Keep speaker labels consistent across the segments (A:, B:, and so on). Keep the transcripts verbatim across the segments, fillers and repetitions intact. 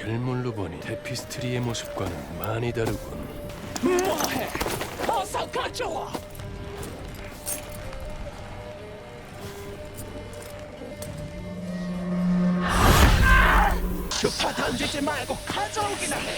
A: 실물로 보니 테피스트리의 모습과는 많이 다르군.
B: 뭐해? 어서 가져와. 주파 던지지 말고 가져오기나 해.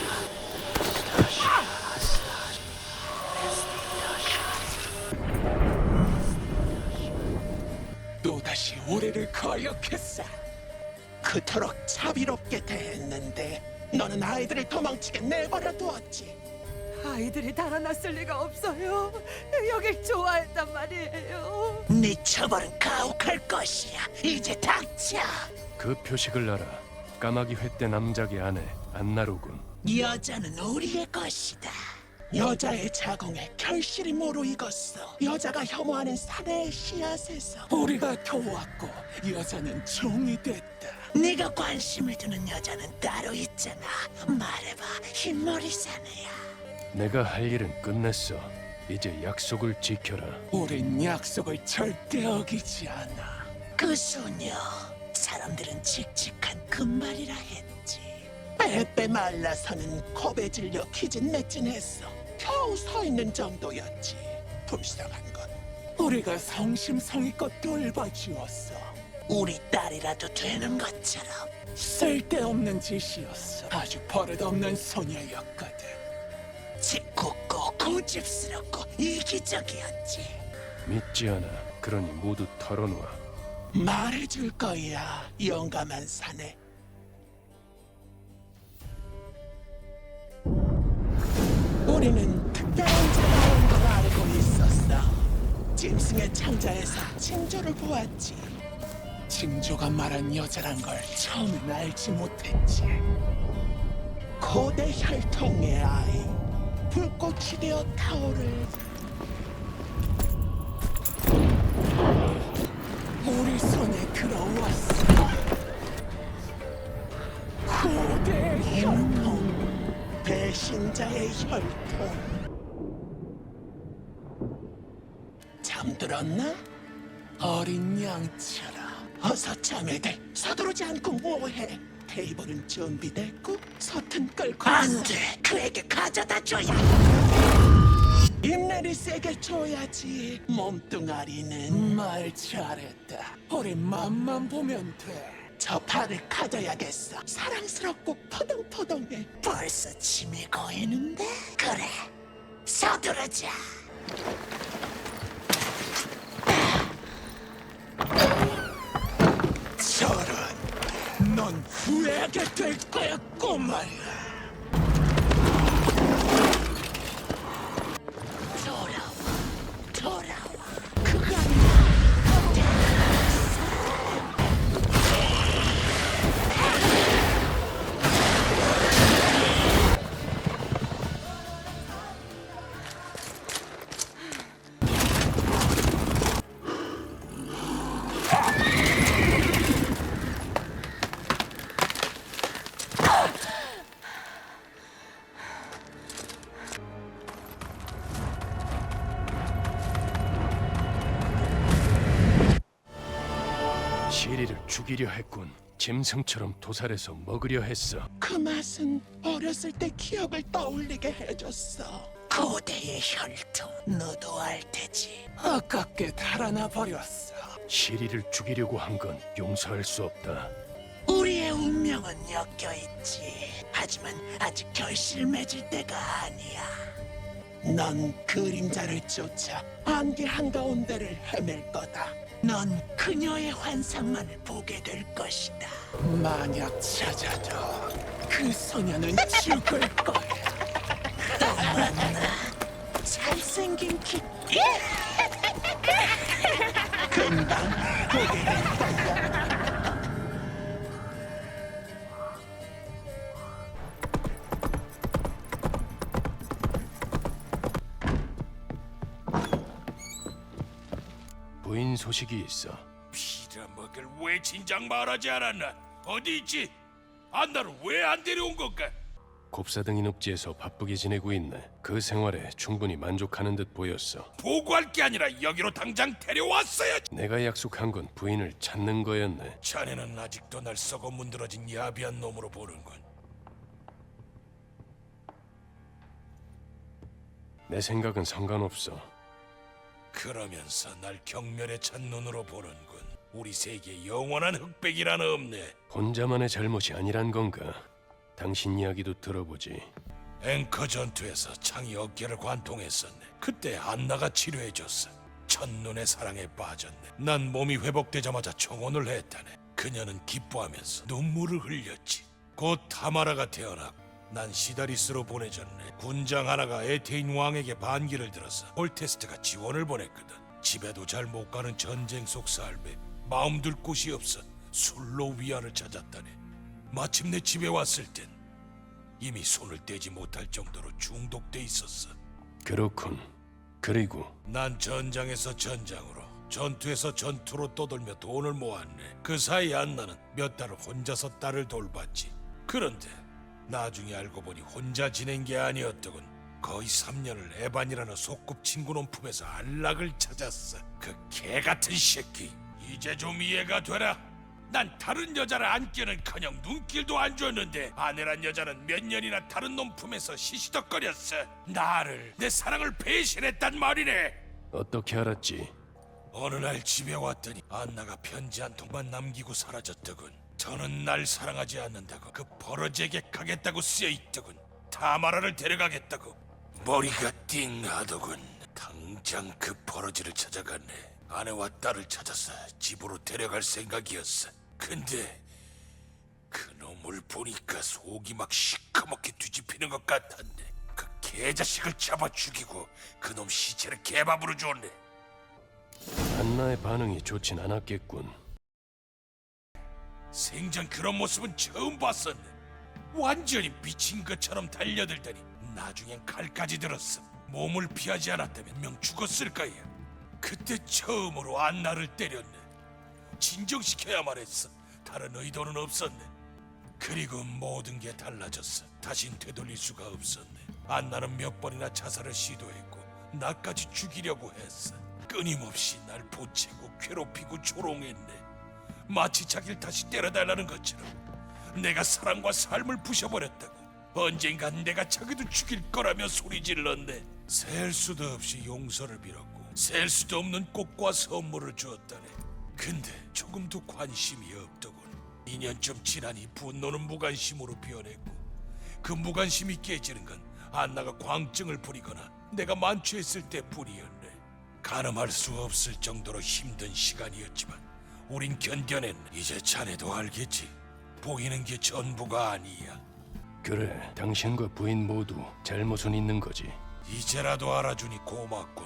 B: 또다시 우리를 거역했어. 그토록 자비롭게 대했는데 너는 아이들을 도망치게 내버려 두었지.
C: 아이들이 달아났을 리가 없어요. 여길 좋아했단 말이에요.
B: 네 처벌은 가혹할 것이야. 이제 닥쳐.
A: 그 표식을 알아. 까마귀 횟대 남작의 아내 안나로군.
B: 여자는 우리의 것이다. 여자의 자궁에 결실이 무르익었어. 여자가 혐오하는 사내의 씨앗에서 우리가 도왔고 여자는 종이 됐다. 네가 관심을 두는 여자는 따로 있잖아. 말해봐, 흰머리 사내야.
A: 내가 할 일은 끝냈어. 이제 약속을 지켜라.
B: 우린 약속을 절대 어기지 않아. 그 소녀, 사람들은 칙칙한 금발이라 했지. 빼빼 말라서는 겁에 질려 기진맥진했어. 겨우 서 있는 정도였지. 불쌍한 건 우리가 성심성의껏 돌봐주었어. 우리 딸이라도 되는 것처럼. 쓸데없는 짓이었어. 아주 버릇없는 소녀였거든. 짓궂고 고집스럽고 이기적이었지.
A: 믿지 않아. 그러니 모두 털어놓아.
B: 말해줄 거야, 용감한 사내. 우리는 특별한 자가 온 걸 알고 있었어. 짐승의 창자에서 징조를 보았지. 징조가 말한 여자란 걸 처음엔 알지 못했지. 고대 혈통의 아이, 불꽃이 되어 타오를 우리 손에 들어왔어. 고대 혈통, 배신자의 혈통. 잠들었나? 어린 양처럼. 어서 자매들, 서두르지 않고 뭐해? 테이블은 준비됐고 서튼 끌고 안 돼! 그에게 가져다 줘야! 입내리 세게 줘야지. 몸뚱아리는 말 잘했다. 우리 맘만 보면 돼. 저 팔을 가져야겠어. 사랑스럽고 포동포동해. 벌써 침이 고이는데? 그래, 서두르자. 저런, 넌 후회하게 될 거야, 꼬마야. 돌아와, 돌아와. 그거 아니야.
A: 시리를 죽이려 했군. 짐승처럼 도살해서 먹으려 했어.
B: 그 맛은 어렸을 때 기억을 떠올리게 해줬어. 고대의 혈통, 너도 알 테지. 아깝게 달아나 버렸어.
A: 시리를 죽이려고 한 건 용서할 수 없다.
B: 우리의 운명은 엮여 있지. 하지만 아직 결실 맺을 때가 아니야. 넌 그림자를 쫓아 안개 한가운데를 헤맬 거다. 넌 그녀의 환상만을 보게 될 것이다. 만약 찾아도 그 소녀는 죽을 거야. 또 만나. 잘생긴 키. 금방 보게 될 거야.
A: 부인 소식이 있어.
D: 빌어먹을 왜 진작 말하지 않았나? 어디 있지? 안나를 왜 안 데려온 걸까?
A: 곱사등이 늪지에서 바쁘게 지내고 있네. 그 생활에 충분히 만족하는 듯 보였어.
D: 보고할 게 아니라 여기로 당장 데려왔어야지.
A: 내가 약속한 건 부인을 찾는 거였네.
D: 자네는 아직도 날 썩어 문드러진 야비한 놈으로 보는군.
A: 내 생각은 상관없어.
D: 그러면서 날 경멸에 찬 눈으로 보는군. 우리 세계에 영원한 흑백이란 없네.
A: 혼자만의 잘못이 아니란 건가? 당신 이야기도 들어보지.
D: 앵커 전투에서 창이 어깨를 관통했었네. 그때 안나가 치료해줬어. 첫눈의 사랑에 빠졌네. 난 몸이 회복되자마자 청혼을 했다네. 그녀는 기뻐하면서 눈물을 흘렸지. 곧 타마라가 태어났고 난 시다리스로 보내졌네. 군장 하나가 에테인 왕에게 반기를 들어서 홀테스트가 지원을 보냈거든. 집에도 잘 못 가는 전쟁 속 삶에 마음 둘 곳이 없어 술로 위안을 찾았다네. 마침내 집에 왔을 땐 이미 손을 떼지 못할 정도로 중독돼 있었어.
A: 그렇군. 그리고
D: 난 전장에서 전장으로, 전투에서 전투로 떠돌며 돈을 모았네. 그 사이 안나는 몇 달을 혼자서 딸을 돌봤지. 그런데 나중에 알고 보니 혼자 지낸 게 아니었더군. 거의 삼 년을 에반이라는 소꿉친구 놈 품에서 안락을 찾았어. 그 개같은 새끼. 이제 좀 이해가 되라. 난 다른 여자를 안기는커녕 눈길도 안 줬는데 아내란 여자는 몇 년이나 다른 놈 품에서 시시덕거렸어. 나를, 내 사랑을 배신했단 말이네.
A: 어떻게 알았지?
D: 어느 날 집에 왔더니 안나가 편지 한 통만 남기고 사라졌더군. 저는 날 사랑하지 않는다고 그 버러지에게 가겠다고 쓰여있더군. 타마라를 데려가겠다고. 머리가 띵하더군. 당장 그 버러지를 찾아갔네. 아내와 딸을 찾아서 집으로 데려갈 생각이었어. 근데 그 놈을 보니까 속이 막 시커멓게 뒤집히는 것 같았네. 그 개자식을 잡아 죽이고 그 놈 시체를 개밥으로 줬네.
A: 안나의 반응이 좋진 않았겠군.
D: 생전 그런 모습은 처음 봤었네. 완전히 미친 것처럼 달려들더니 나중엔 칼까지 들었어. 몸을 피하지 않았다면 명 죽었을 거야. 그때 처음으로 안나를 때렸네. 진정시켜야만 했어. 다른 의도는 없었네. 그리고 모든 게 달라졌어. 다신 되돌릴 수가 없었네. 안나는 몇 번이나 자살을 시도했고 나까지 죽이려고 했어. 끊임없이 날 보채고 괴롭히고 조롱했네. 마치 자기를 다시 때려달라는 것처럼. 내가 사랑과 삶을 부셔버렸다고. 언젠간 내가 자기도 죽일 거라며 소리질렀네. 셀 수도 없이 용서를 빌었고 셀 수도 없는 꽃과 선물을 주었다네. 근데 조금도 관심이 없더군. 이 년쯤 지나니 분노는 무관심으로 변했고 그 무관심이 깨지는 건 안나가 광증을 부리거나 내가 만취했을 때뿐이었네. 가늠할 수 없을 정도로 힘든 시간이었지만 우린 견뎌냈네. 이제 자네도 알겠지. 보이는 게 전부가 아니야.
A: 그래, 당신과 부인 모두 잘못은 있는 거지.
D: 이제라도 알아주니 고맙군.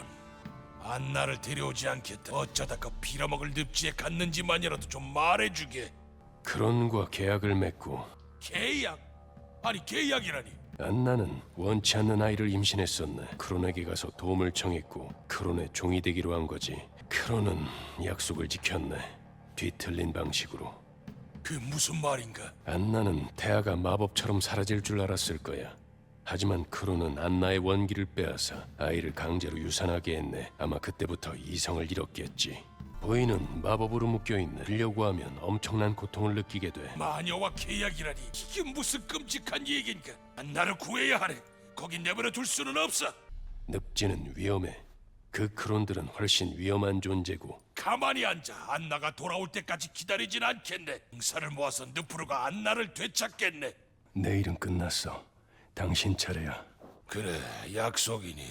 D: 안나를 데려오지 않겠다. 어쩌다 그 빌어먹을 늪지에 갔는지만이라도 좀 말해주게.
A: 크론과 계약을 맺고
D: 계약? 아니 계약이라니.
A: 안나는 원치 않는 아이를 임신했었네. 크론에게 가서 도움을 청했고 크론의 종이 되기로 한 거지. 크론은 약속을 지켰네. 뒤틀린 방식으로.
D: 그 무슨 말인가?
A: 안나는 태아가 마법처럼 사라질 줄 알았을 거야. 하지만 크론은 안나의 원기를 빼앗아 아이를 강제로 유산하게 했네. 아마 그때부터 이성을 잃었겠지. 부인은 마법으로 묶여있네. 들려고 하면 엄청난 고통을 느끼게 돼.
D: 마녀와 계약이라니. 이게 무슨 끔찍한 얘긴가? 안나를 구해야 하네. 거긴 내버려 둘 수는 없어.
A: 늪지는 위험해. 그 크론들은 훨씬 위험한 존재고.
D: 가만히 앉아. 안나가 돌아올 때까지 기다리진 않겠네. 응사를 모아서 늪으로가 안나를 되찾겠네.
A: 내일은 끝났어. 당신 차례야.
D: 그래, 약속이니.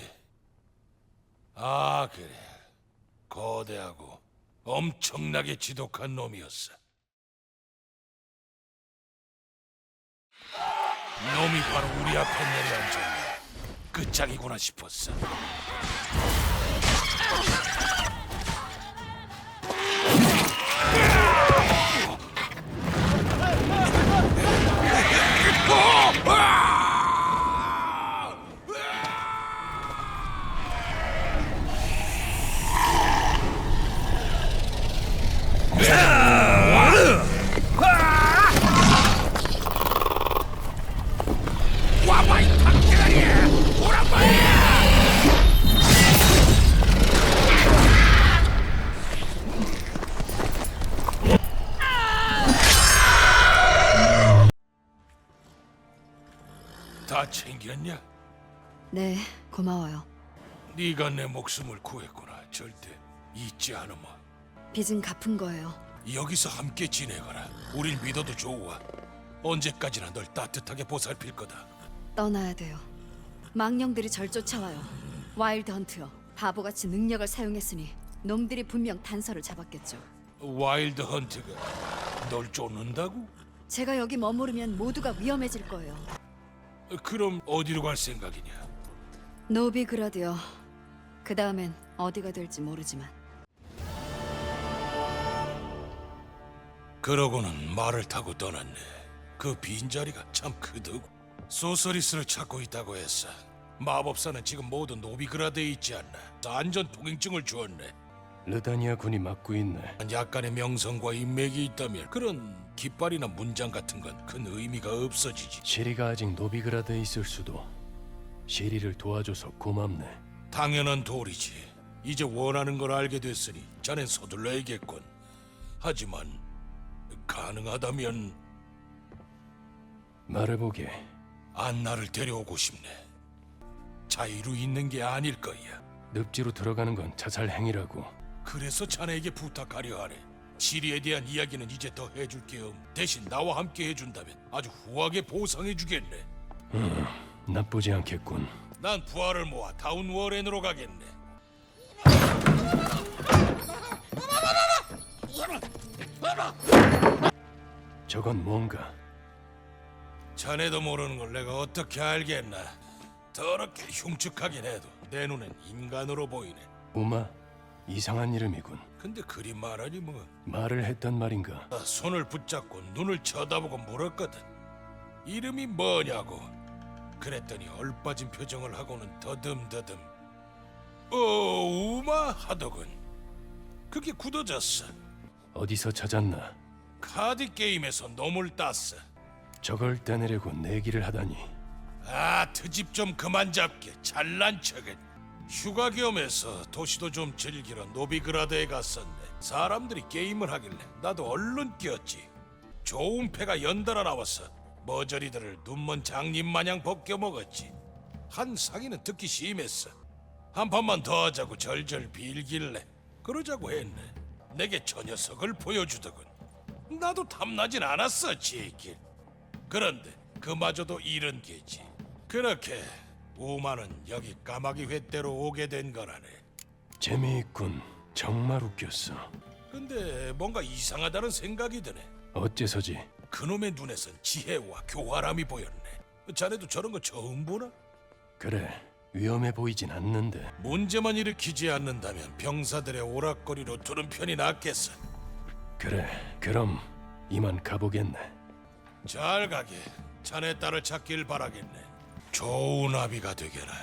D: 아, 그래. 거대하고 엄청나게 지독한 놈이었어. 놈이 바로 우리 앞에 내려앉았네. 끝장이구나 싶었어. 다 챙겼냐?
E: 네, 고마워요.
D: 네가 내 목숨을 구했구나. 절대 잊지 않으마.
C: 빚은 갚은 거예요.
D: 여기서 함께 지내거라. 우릴 믿어도 좋아. 언제까지나 널 따뜻하게 보살필 거다.
C: 떠나야 돼요. 망령들이 절 쫓아와요. 와일드 헌트요. 바보같이 능력을 사용했으니 놈들이 분명 단서를 잡았겠죠.
D: 와일드 헌트가 널 쫓는다고?
C: 제가 여기 머무르면 모두가 위험해질 거예요.
D: 그럼 어디로 갈 생각이냐?
C: 노비그라드요. 그 다음엔 어디가 될지 모르지만.
D: 그러고는 말을 타고 떠났네. 그 빈자리가 참 크더고. 소서리스를 찾고 있다고 했어. 마법사는 지금 모두 노비그라드에 있지 않나. 안전 통행증을 주었네.
A: 르다니아 군이 맡고 있네.
D: 약간의 명성과 인맥이 있다면 그런 깃발이나 문장 같은 건 큰 의미가 없어지지.
A: 시리가 아직 노비그라드에 있을 수도. 시리를 도와줘서 고맙네.
D: 당연한 도리지. 이제 원하는 걸 알게 됐으니 자넨 서둘러야겠군. 하지만 가능하다면
A: 말해보게.
D: 안나를 데려오고 싶네. 자유로 있는 게 아닐 거야.
A: 늪지로 들어가는 건 자살 행위라고.
D: 그래서 자네에게 부탁하려 하네. 시리에 대한 이야기는 이제 더 해줄 게 없. 대신 나와 함께 해준다면 아주 후하게 보상해 주겠네.
A: 나쁘지 않겠군.
D: 난 부하를 모아 다운 워렌으로 가겠네.
A: 저건 뭔가.
D: 자네도 모르는 걸 내가 어떻게 알겠나. 더럽게 흉측하긴 해도 내 눈엔 인간으로 보이네.
A: 우마? 이상한 이름이군.
D: 근데 그리 말하니 뭐.
A: 말을 했단 말인가?
D: 나 손을 붙잡고 눈을 쳐다보고 물었거든. 이름이 뭐냐고. 그랬더니 얼빠진 표정을 하고는 더듬더듬 어 우마 하더군. 그게 굳어졌어.
A: 어디서 찾았나?
D: 카드 게임에서 놈을 땄어.
A: 저걸 떼내려고 내기를 하다니.
D: 아 트집 좀 그만 잡게. 잘난 척은. 휴가 겸해서 도시도 좀 즐기러 노비그라드에 갔었네. 사람들이 게임을 하길래 나도 얼른 뛰었지. 좋은 패가 연달아 나왔어. 머저리들을 눈먼 장님 마냥 벗겨먹었지. 한 상인은 특히 심했어. 한 판만 더 하자고 절절 빌길래 그러자고 했네. 내게 저 녀석을 보여주더군. 나도 탐나진 않았어 제길. 그런데 그마저도 이런 게지. 그렇게 우마는 여기 까마귀 횟대로 오게 된 거라네.
A: 재미있군. 정말 웃겼어.
D: 근데 뭔가 이상하다는 생각이 드네.
A: 어째서지?
D: 그놈의 눈에선 지혜와 교활함이 보였네. 자네도 저런 거 처음 보나?
A: 그래, 위험해 보이진 않는데.
D: 문제만 일으키지 않는다면 병사들의 오락거리로 두는 편이 낫겠어.
A: 그래, 그럼 이만 가보겠네.
D: 잘 가게. 자네 딸을 찾길 바라겠네. 좋은 아비가 되게라.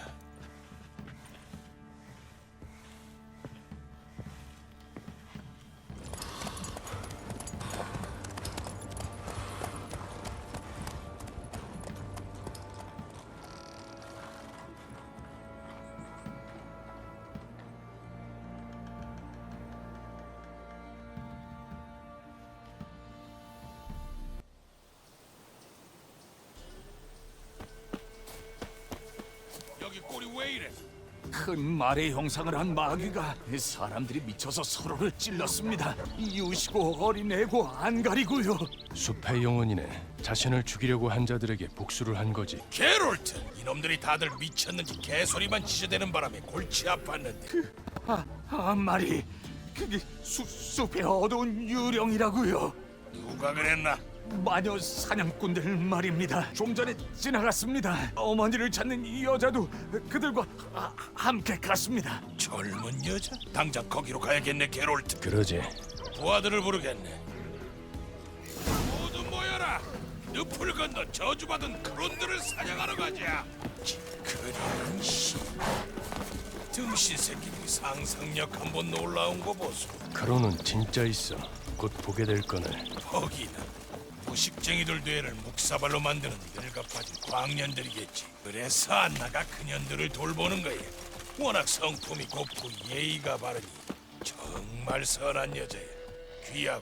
D: 여기 꼴이 왜 이래?
E: 큰 말의 형상을 한 마귀가 사람들이 미쳐서 서로를 찔렀습니다. 이웃이고 어린애고 안 가리고요.
A: 숲의 영혼이네. 자신을 죽이려고 한 자들에게 복수를 한 거지.
D: 게롤트! 이놈들이 다들 미쳤는지 개소리만 지저대는 바람에 골치 아팠는데.
E: 아, 한 마리 그게 수, 숲의 어두운 유령이라고요.
D: 누가 그랬나?
E: 마녀 사냥꾼들 말입니다. 좀 전에 지나갔습니다. 어머니를 찾는 이 여자도 그들과 아, 함께 갔습니다.
D: 젊은 여자? 당장 거기로 가야겠네, 게롤트.
A: 그러지.
D: 부하들을 부르겠네. 모두 모여라. 늪을 건너 저주받은 크론들을 사냥하러 가자. 그런 씨. 등신 새끼들이 상상력 한번 놀라운 거 보소.
A: 크로는 진짜 있어. 곧 보게 될 거네.
D: 거기는 무식쟁이들 뇌를 묵사발로 만드는 늙어빠진 광년들이겠지. 그래서 안나가 그년들을 돌보는 거야. 워낙 성품이 곱고 예의가 바르니 정말 선한 여자야. 귀하고.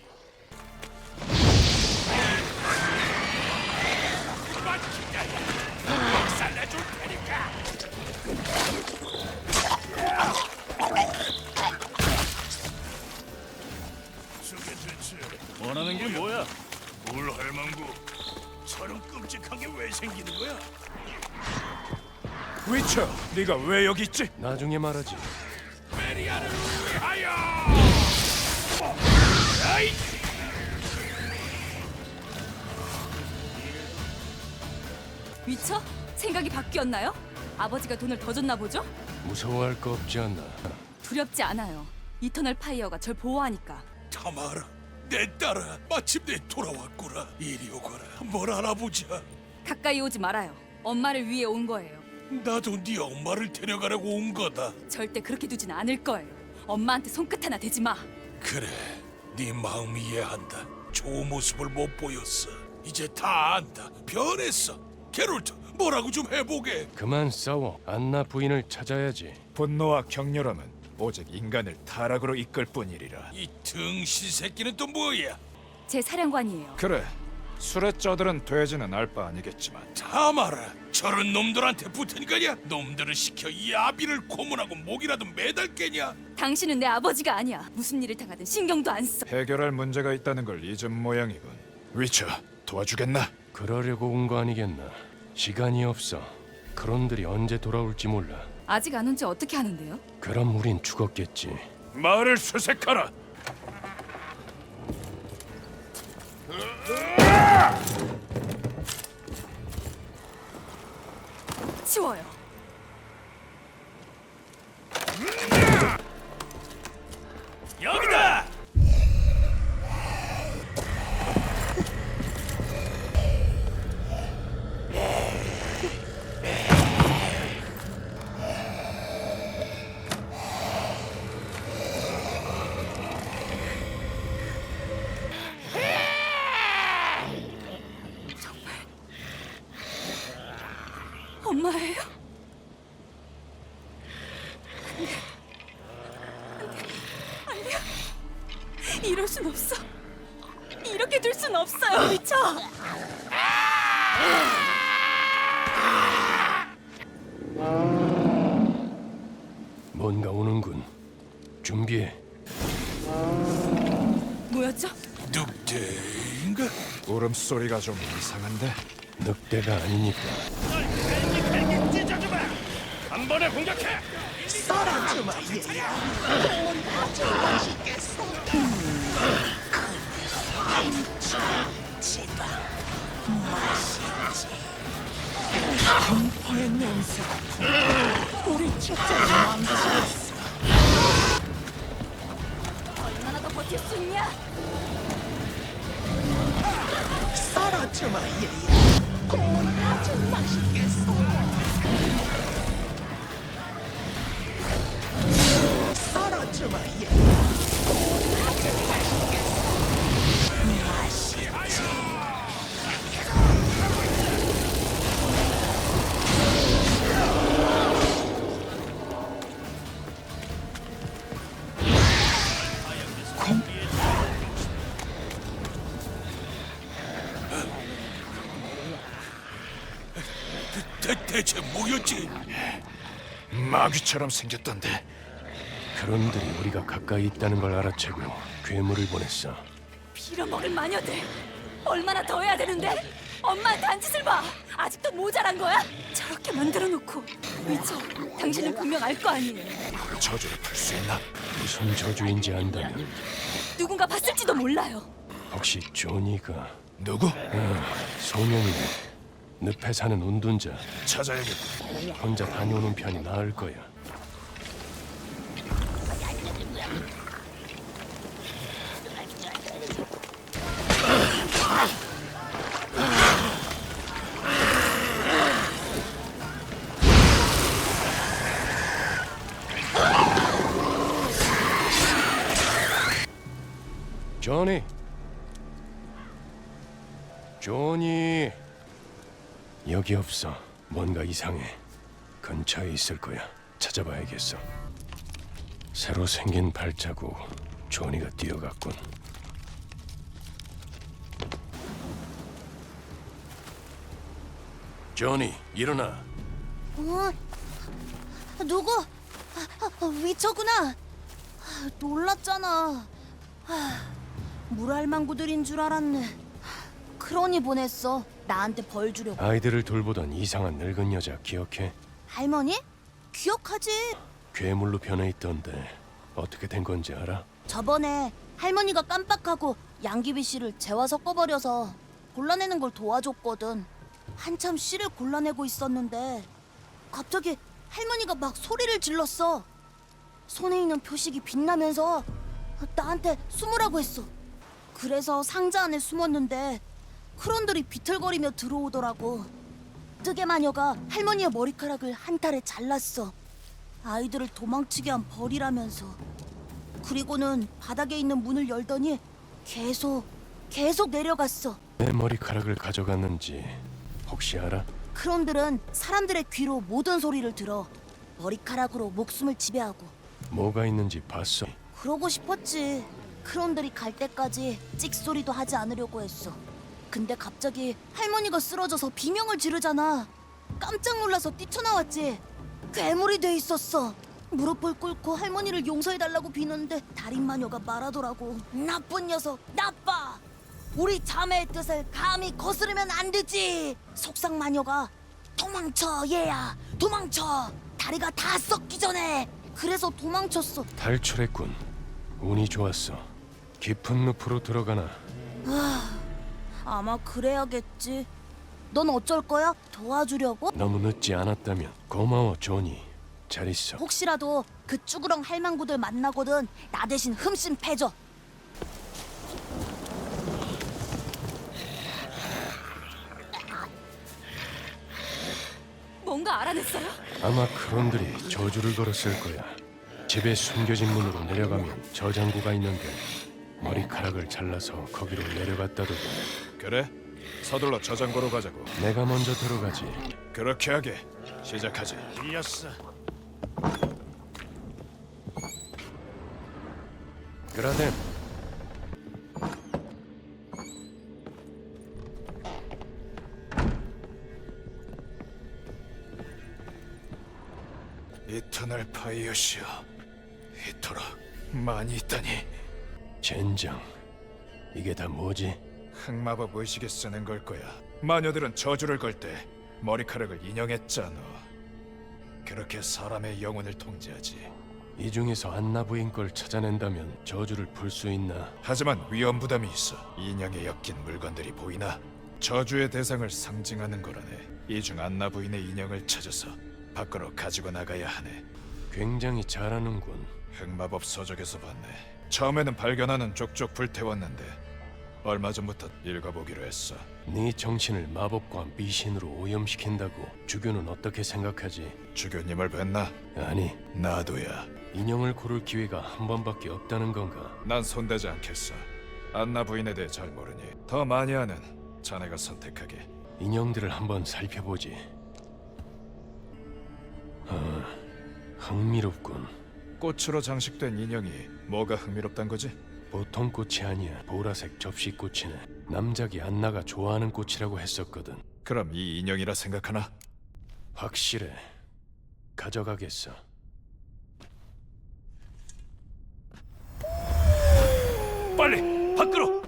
D: 그만 기다려. 박살내줄 테니까.
E: 위쳐, 네가 왜 여기 있지?
A: 나중에 말하지.
D: 메리아를 위하여! 아이!
F: 위쳐? 생각이 바뀌었나요? 아버지가 돈을 더 줬나 보죠?
A: 무서워할 거 없지 않나?
F: 두렵지 않아요. 이터널 파이어가 절 보호하니까.
D: 타마라, 내 딸아, 마침내 돌아왔구나. 이리 오거라, 뭘 알아보자.
F: 가까이 오지 말아요. 엄마를 위해 온 거예요.
D: 나도 네 엄마를 데려가려고 온 거다.
F: 절대 그렇게 두진 않을 거예요. 엄마한테 손끝 하나 대지 마.
D: 그래, 네 마음 이해한다. 좋은 모습을 못 보였어. 이제 다 안다. 변했어. 게롤트, 뭐라고 좀 해보게.
A: 그만 싸워. 안나 부인을 찾아야지.
E: 분노와 격렬함은 오직 인간을 타락으로 이끌 뿐이리라.
D: 이 등신 새끼는 또 뭐야?
F: 제 사령관이에요.
E: 그래, 술에 쩌들은 돼지는 알 바 아니겠지만
D: 타마라, 저런 놈들한테 붙은 거냐? 놈들을 시켜 이 아비를 고문하고 목이라도 매달겠냐?
F: 당신은 내 아버지가 아니야. 무슨 일을 당하든 신경도 안 써.
E: 해결할 문제가 있다는 걸 잊은 모양이군. 위쳐, 도와주겠나?
A: 그러려고 온 거 아니겠나? 시간이 없어. 그런들이 언제 돌아올지 몰라.
F: 아직 안 온 지 어떻게 하는데요?
A: 그럼 우린 죽었겠지.
E: 말을 수색하라.
F: 치워요.
D: 여기다!
F: 엄마예요? 안 돼요. 이럴 순 없어. 이렇게 둘 순 없어요, 미쳐.
A: 뭔가 오는군. 준비해.
F: 뭐였죠?
D: 늑대인가?
E: 울음소리가 좀 이상한데?
A: 늑대가 아니니까.
D: 한 번에 공격해!
B: 썰어주마 얘야. 온 아주 맛있겠어. 지방 맛있지. 공포의 냄새가 우리 축제를 망치겠어.
F: 얼마나 더 버틸 수 있냐?
B: 썰어주마 얘야. 온 아주 맛있겠어. 썰어주마 얘야.
D: 대, 대체 뭐였지?
E: 마귀처럼 생겼던데.
A: 그런들이 우리가 가까이 있다는 걸 알아채고 괴물을 보냈어.
F: 빌어먹을 마녀들. 얼마나 더 해야 되는데? 엄마한테 한 짓을 봐. 아직도 모자란 거야? 저렇게 만들어 놓고. 미쳐. 당신은 분명 알 거 아니에요.
E: 저주를 풀 수 있나?
A: 무슨 저주인지 안다면
F: 누군가 봤을지도 몰라요.
A: 혹시 조니가
E: 누구?
A: 소명이네. 늪에 사는 운둔자.
E: 찾아야겠다.
A: 혼자 다녀오는 편이 나을 거야. 조니. 조니. 여기 없어. 뭔가 이상해. 근처에 있을 거야. 찾아봐야겠어. 새로 생긴 발자국. 조니가 뛰어갔군. 조니, 일어나.
G: 어? 누구? 아, 아, 위쳐구나. 아, 놀랐잖아. 아, 물알망구들인 줄 알았네. 그러니 보냈어. 나한테 벌 주려고.
A: 아이들을 돌보던 이상한 늙은 여자 기억해?
G: 할머니? 기억하지?
A: 괴물로 변해 있던데 어떻게 된 건지 알아?
G: 저번에 할머니가 깜빡하고 양귀비 씨를 재화 섞어버려서 골라내는 걸 도와줬거든. 한참 씨를 골라내고 있었는데 갑자기 할머니가 막 소리를 질렀어. 손에 있는 표식이 빛나면서 나한테 숨으라고 했어. 그래서 상자 안에 숨었는데 크론들이 비틀거리며 들어오더라고. 뜨개 마녀가 할머니의 머리카락을 한 탈에 잘랐어. 아이들을 도망치게 한 벌이라면서. 그리고는 바닥에 있는 문을 열더니 계속 계속 내려갔어.
A: 내 머리카락을 가져갔는지 혹시 알아?
G: 크론들은 사람들의 귀로 모든 소리를 들어. 머리카락으로 목숨을 지배하고.
A: 뭐가 있는지 봤어?
G: 그러고 싶었지. 크론들이 갈 때까지 찍소리도 하지 않으려고 했어. 근데 갑자기 할머니가 쓰러져서 비명을 지르잖아. 깜짝 놀라서 뛰쳐나왔지. 괴물이 돼 있었어. 무릎을 꿇고 할머니를 용서해달라고 비는데 달인 마녀가 말하더라고. 나쁜 녀석, 나빠. 우리 자매의 뜻을 감히 거스르면 안 되지. 속상 마녀가 도망쳐 얘야, 도망쳐. 다리가 다 썩기 전에. 그래서 도망쳤어.
A: 탈출했군. 운이 좋았어. 깊은 늪으로 들어가나.
G: 아마 그래야겠지. 넌 어쩔 거야? 도와주려고?
A: 너무 늦지 않았다면 고마워, 조니. 잘 있어.
G: 혹시라도 그 쭈그렁 할망구들 만나거든 나 대신 흠씬 패줘.
F: 뭔가 알아냈어요?
A: 아마 크론들이 저주를 걸었을 거야. 집에 숨겨진 문으로 내려가면 저장고가 있는데 머리카락을 잘라서 거기로 내려갔다더군.
E: 그래? 서둘러 저장고로 가자고.
A: 내가 먼저 들어가지.
E: 그렇게 하게. 시작하지.
A: 이었어. 그라덴,
E: 이터널 파이어시여. 이토록 많이 있다니.
A: 젠장. 이게 다 뭐지?
E: 흑마법 의식에 쓰는 걸 거야. 마녀들은 저주를 걸 때 머리카락을 인형했잖아. 그렇게 사람의 영혼을 통제하지.
A: 이 중에서 안나 부인 걸 찾아낸다면 저주를 풀 수 있나?
E: 하지만 위험 부담이 있어. 인형에 엮인 물건들이 보이나? 저주의 대상을 상징하는 거라네. 이 중 안나 부인의 인형을 찾아서 밖으로 가지고 나가야 하네.
A: 굉장히 잘하는군.
E: 흑마법 서적에서 봤네. 처음에는 발견하는 족족 불태웠는데 얼마 전부터 읽어보기로 했어.
A: 네 정신을 마법과 미신으로 오염시킨다고 주교는 어떻게 생각하지?
E: 주교님을 뵀나?
A: 아니,
E: 나도야.
A: 인형을 고를 기회가 한 번밖에 없다는 건가?
E: 난 손대지 않겠어. 안나 부인에 대해 잘 모르니 더 많이 아는 자네가 선택하게.
A: 인형들을 한번 살펴보지. 아, 흥미롭군.
E: 꽃으로 장식된 인형이 뭐가 흥미롭단 거지?
A: 보통 꽃이 아니야. 보라색 접시꽃이네. 남작이 안나가 좋아하는 꽃이라고 했었거든.
E: 그럼 이 인형이라 생각하나?
A: 확실해. 가져가겠어.
E: 빨리 밖으로!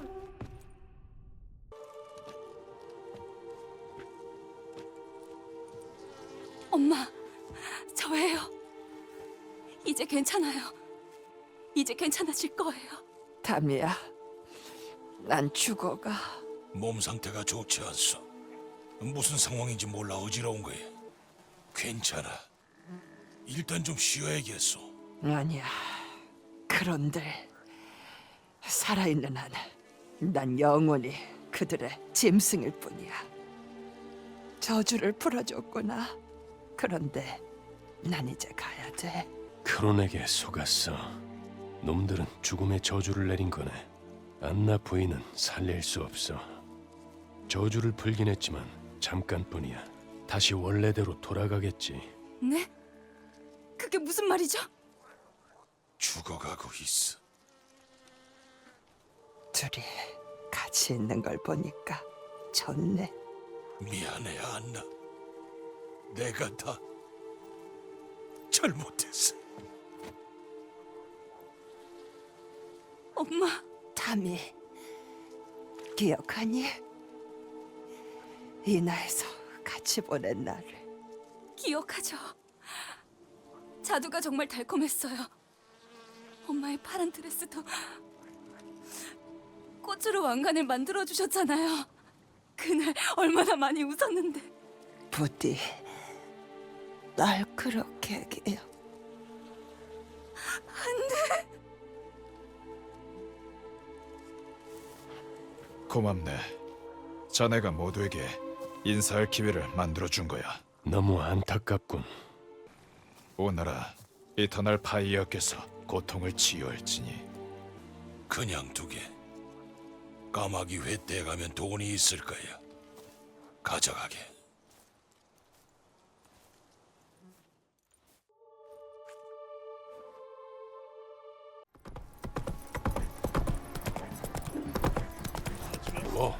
F: 엄마, 저예요. 이제 괜찮아요. 이제 괜찮아질 거예요.
H: 담이야, 난 죽어가.
D: 몸 상태가 좋지 않소. 무슨 상황인지 몰라 어지러운 거야. 괜찮아. 일단 좀 쉬어야겠소.
H: 아니야, 그런들 살아있는 한, 난 영원히 그들의 짐승일 뿐이야. 저주를 풀어줬구나. 그런데 난 이제 가야 돼.
A: 크론에게 속았어. 놈들은 죽음의 저주를 내린 거네. 안나 부인은 살릴 수 없어. 저주를 풀긴 했지만 잠깐뿐이야. 다시 원래대로 돌아가겠지.
F: 네? 그게 무슨 말이죠?
D: 죽어가고 있어.
H: 둘이 같이 있는 걸 보니까 좋네.
D: 미안해, 안나. 내가 다 잘못했어.
F: 엄마,
H: 담이, 기억하니? 이나에서 같이 보낸 날을.
F: 기억하죠? 자두가 정말 달콤했어요. 엄마의 파란 드레스도 꽃으로 왕관을 만들어 주셨잖아요. 그날 얼마나 많이 웃었는데.
H: 부디 날 그렇게 해요.
E: 고맙네. 자네가 모두에게 인사할 기회를 만들어준 거야.
A: 너무 안타깝군.
E: 오너라 이터널 파이어께서 고통을 치유할지니.
D: 그냥 두게. 까마귀 회떼에 가면 돈이 있을 거야. 가져가게.
A: 뭐?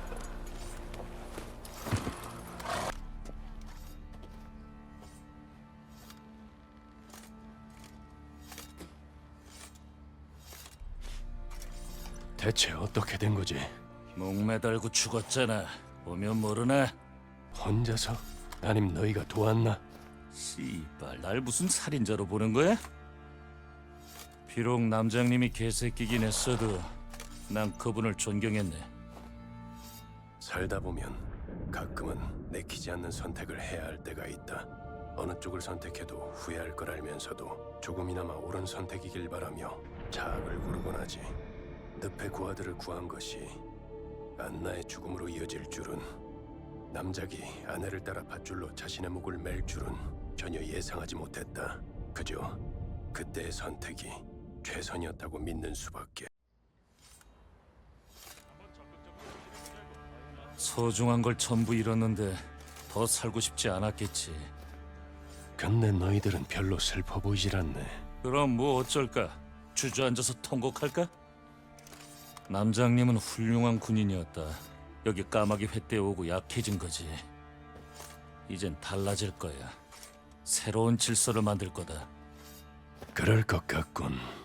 A: 대체 어떻게 된 거지?
I: 목매달고 죽었잖아. 보면 모르나?
A: 혼자서? 아님 너희가 도왔나?
I: 씨발, 날 무슨 살인자로 보는 거야? 비록 남장님이 개새끼긴 했어도 난 그분을 존경했네.
A: 살다 보면 가끔은 내키지 않는 선택을 해야 할 때가 있다. 어느 쪽을 선택해도 후회할 걸 알면서도 조금이나마 옳은 선택이길 바라며 자악을 고르곤 하지. 늪의 고아들을 구한 것이 안나의 죽음으로 이어질 줄은, 남작이 아내를 따라 밧줄로 자신의 목을 맬 줄은 전혀 예상하지 못했다. 그저 그때의 선택이 최선이었다고 믿는 수밖에.
I: 소중한 걸 전부 잃었는데 더 살고 싶지 않았겠지.
A: 근데 너희들은 별로 슬퍼 보이질 않네.
I: 그럼 뭐 어쩔까? 주저앉아서 통곡할까? 남장님은 훌륭한 군인이었다. 여기 까마귀 회떼에 오고 약해진 거지. 이젠 달라질 거야. 새로운 질서를 만들 거다.
A: 그럴 것 같군.